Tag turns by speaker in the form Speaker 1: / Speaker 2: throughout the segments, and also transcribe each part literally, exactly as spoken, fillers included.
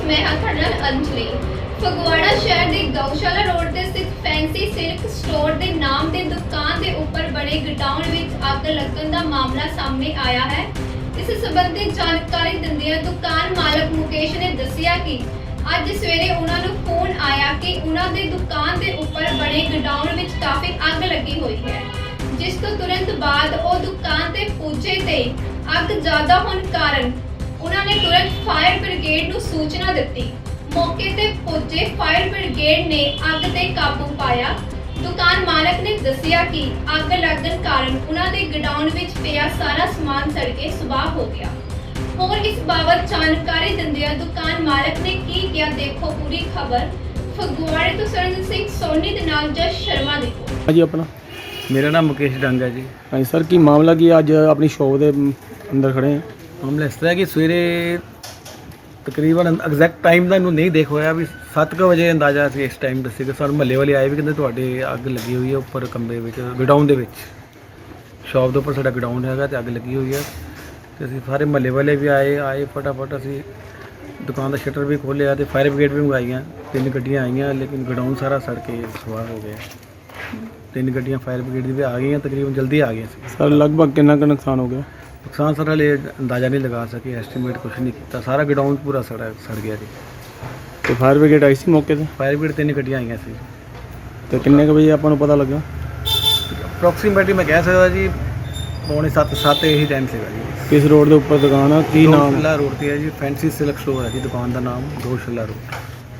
Speaker 1: मैं हाँ तुहाडे नाल अंजलि। फगवाड़ा शहर के गौशाला रोड ते स्थित फैंसी सिल्क स्टोर के नाम ते दुकान के उपर बने गोडाउन विच अग लगन का मामला सामने आया है। इस संबंधी जानकारी दिंदियां दुकान मालक मुकेश ने दस्सिया कि अज सवेरे उन्हां नूं फोन आया कि उन्हां दे दुकान के उपर बने गोडाउन विच काफ़ी अग लगी हुई है, जिस तो तुरंत बाद वो दुकान ते पुजे ते अग ज़्यादा होने कारण उन्होंने तुरंत फायर ब्रिगेड नूं सूचना दी। मौके ते पुजे फायर ब्रिगेड ने अग ते काबू पाया। दुकान मालक ने दस्सिया कि अग लगन कारण उन्हां दे गोडाउन विच पिया सारा समान सड़ के सुबाह हो गया। और इस बाबत जानकारी दिंदियां दुकान मालक ने की किया, देखो पूरी खबर। फगवाड़े तो सरन सिंह सोनी दे नाल जस शर्मा देखो।
Speaker 2: हाँ जी, अपना
Speaker 3: मेरा नाम मुकेश डंग है जी।
Speaker 2: हाँ जी सर, की मामला की अज अपनी शॉप के अंदर खड़े हैं।
Speaker 3: मामला इस तरह कि सवेरे तकरीबन एग्जैक्ट टाइम का इन्हों नहीं देख होया भी सत्त क वजे अंदाजा से इस टाइम दसे सर महल्ले वाले आए भी कहते तुहाडे अग लगी हुई है उपर कमरे में गोडाउन के शॉप के उपर साडा गोडाउन है तो अग लगी हुई है। तो असीं सारे महल्ले वाले भी आए आए फटाफट असीं दुकान का शटर भी खोलिया तो फायर ब्रिगेड भी मंगाई, तीन गड्डियाँ आईयां, लेकिन गोडाउन सारा सड़ के सुआह हो गया। तीन गड्डियाँ फायर ब्रिगेड की भी आ गई, तकरीबन जल्दी आ गई।
Speaker 2: सर लगभग कितना का नुकसान हो गया?
Speaker 3: नुकसान सर हले अंदाज़ा नहीं लगा सके, एस्टीमेट कुछ नहीं किया। सारा गोडाउन पूरा सड़ा सड़ गया जी।
Speaker 2: तो फायर ब्रिगेड आई सी मौके से?
Speaker 3: फायर ब्रिगेड तीन गड्डियाँ आई सी।
Speaker 2: तो किन्ने के बजे आपको पता लगा?
Speaker 3: अप्रोक्सीमेटली मैं कह सकता जी पौने सत्त सत्त यही टाइम से जी।
Speaker 2: किस रोड के उपर दुकान है, की नाम?
Speaker 3: गौशाला रोड पर है जी, फैंसी सिल्क स्टोर है जी दुकान का नाम, गौशाला रोड।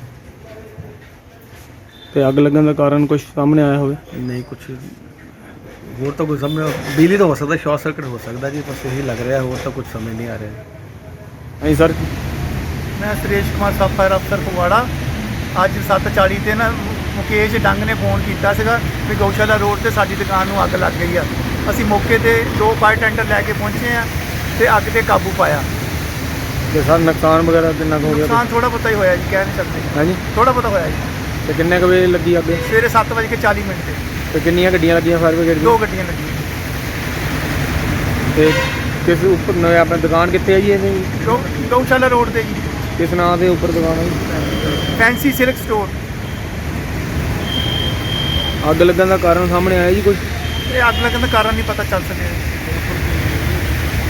Speaker 2: तो अग लगन का कारण कुछ सामने आया हो?
Speaker 3: नहीं कुछ होर तो कुछ समझ, बिजली तो हो सकता, शॉर्ट सर्किट हो सकता जी, बस यही लग रहा है, होर तो कुछ समझ नहीं आ रहा।
Speaker 2: हाँ सर,
Speaker 4: मैं सुरेश कुमार सब फायर अफसर फगवाड़ा। अज सत्त चाली ते ना मुकेश डंग ने फोन किया भी गौशाला रोड से साडी दुकान नूं अग लग गई है। असी मौके ते दो फायर टेंडर लैके पहुँचे हैं तो अग ते काबू पाया।
Speaker 2: तो सर नुकसान वगैरह कितना हो गया?
Speaker 4: नुकसान थोड़ा बहुता ही होया जी, कह नहीं सकते।
Speaker 2: हाँ जी,
Speaker 4: थोड़ा बहुता होया जी।
Speaker 2: तो किन्ने बजे लगी अग?
Speaker 4: सवेरे सत्त बज के चाली मिनट से।
Speaker 2: तो किन्नियां गड्डियां लगियां फायर ब्रिगेड?
Speaker 4: दो गड्डियां लगी।
Speaker 2: तो किस उपर अपनी दुकान कितने है जी? ये
Speaker 4: गौ गौशाला रोड से जी।
Speaker 2: किस नाम के उपर दुकान है?
Speaker 4: Fancy silk store.
Speaker 2: अग लगन का कारण सामने आया जी कुछ?
Speaker 4: ये अग लगन का कारण नहीं पता चल सके।